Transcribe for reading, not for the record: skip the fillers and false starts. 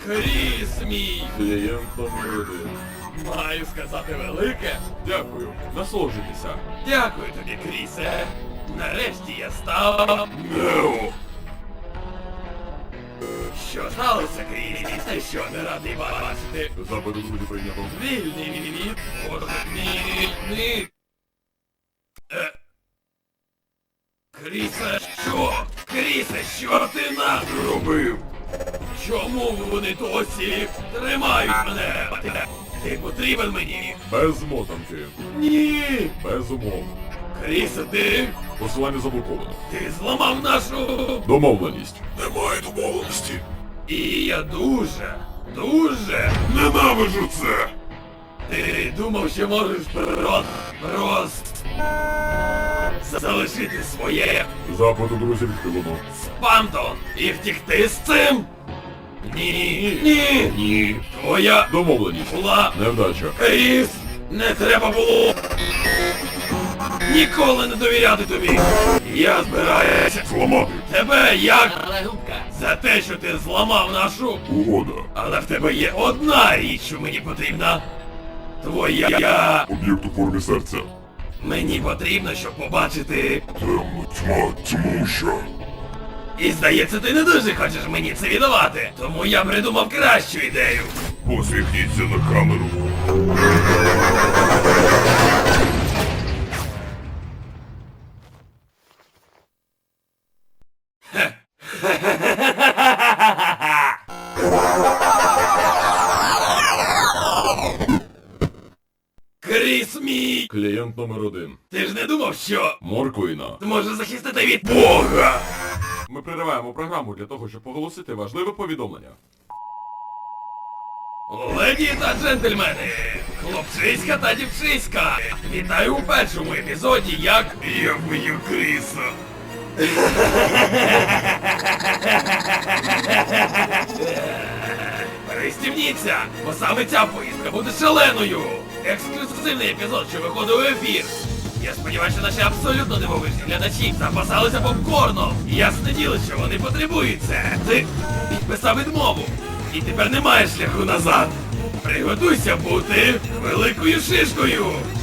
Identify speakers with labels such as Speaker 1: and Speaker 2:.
Speaker 1: Кріс мій!
Speaker 2: Клієнт номер 1.
Speaker 1: Маю сказати велике.
Speaker 2: Дякую. Насолоджуйтеся.
Speaker 1: Дякую тобі, Крісе. Нарешті я став Нео. Що сталося, Кріс? Ти що, не радий бачити?
Speaker 2: Запит у друзі прийнято.
Speaker 1: Вільний. Вільний. Крісе, що? Крісе, що ти наробив? Чому вони досі тримають мене? Ти потрібен мені?
Speaker 2: Без мотанки.
Speaker 1: Ні!
Speaker 2: Без умов.
Speaker 1: Крісе, ти?
Speaker 2: Посилання заблоковано.
Speaker 1: Ти зламав нашу...
Speaker 2: Домовленість.
Speaker 1: Немає домовленості. І я дуже
Speaker 2: Ненавиджу це!
Speaker 1: Ти думав, що можеш просто залишити своє
Speaker 2: Запит у друзі відхилено.
Speaker 1: спамтон і втікти з цим? Ні. Твоя
Speaker 2: Домовленість.
Speaker 1: була
Speaker 2: Невдача.
Speaker 1: Кріс, не треба було ніколи не довіряти тобі. Я збираюся
Speaker 2: Зламати.
Speaker 1: тебе як за те, що ти зламав нашу.
Speaker 2: Угода.
Speaker 1: Але в тебе є одна річ, що мені потрібна. Твоя.
Speaker 2: Об'єкт у формі серця.
Speaker 1: Мені потрібно, щоб побачити.
Speaker 2: Тьма, тьмуща.
Speaker 1: І здається, ти не дуже хочеш мені це віддавати. Тому я придумав кращу ідею.
Speaker 2: Посміхніться на камеру.
Speaker 1: Кріс мій!
Speaker 2: Клієнт номер 1.
Speaker 1: Ти ж не думав, що
Speaker 2: Морквина.
Speaker 1: зможе захистити від Бога?
Speaker 2: Ми перериваємо програму для того, щоб оголосити важливе повідомлення.
Speaker 1: Леді та джентльмени, хлопчиська та дівчиська, вітаю у першому епізоді, як я вбив Кріса. Пристібніться, бо саме ця поїздка буде шаленою. Ексклюзивний епізод, що виходить у ефір. Я сподіваюся, що наші абсолютно дивовижні глядачі запасалися попкорном. Ясне діло, що вони потребують це. Ти підписав відмову. І тепер немає шляху назад. Приготуйся бути великою шишкою.